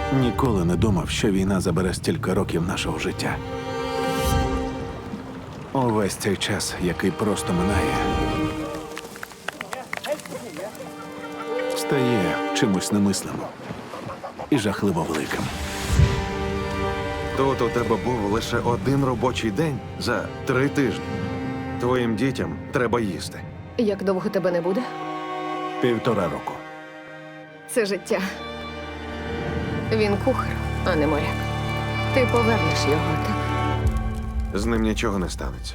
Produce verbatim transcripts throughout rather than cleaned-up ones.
Ніколи не думав, що війна забере стільки років нашого життя. Увесь цей час, який просто минає, стає чимось немислимим і жахливо великим. Тут у тебе був лише один робочий день за три тижні. Твоїм дітям треба їсти. Як довго тебе не буде? Півтора року. Це життя. Він кухар, а не моряк. Ти повернеш його, так? З ним нічого не станеться.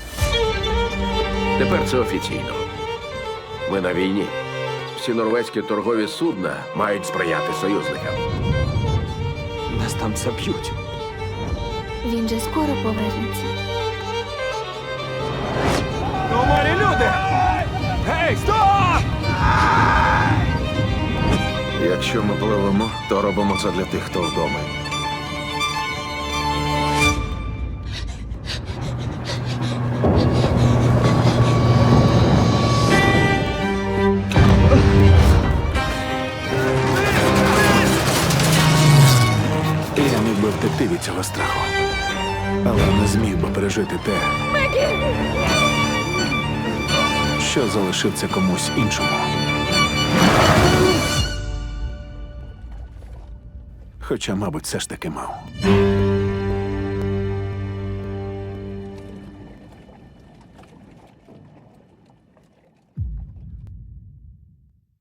Тепер це офіційно. Ми на війні. Всі норвезькі торгові судна мають сприяти союзникам. Нас там заб'ють. Він же скоро повернеться. У морі люди! Гей, стоп! Якщо ми пливемо, то робимо це для тих, хто вдома. Я міг би втекти від цього страху, але не зміг би пережити те, що залишив це комусь іншому. Хоча, мабуть, все ж таки мав.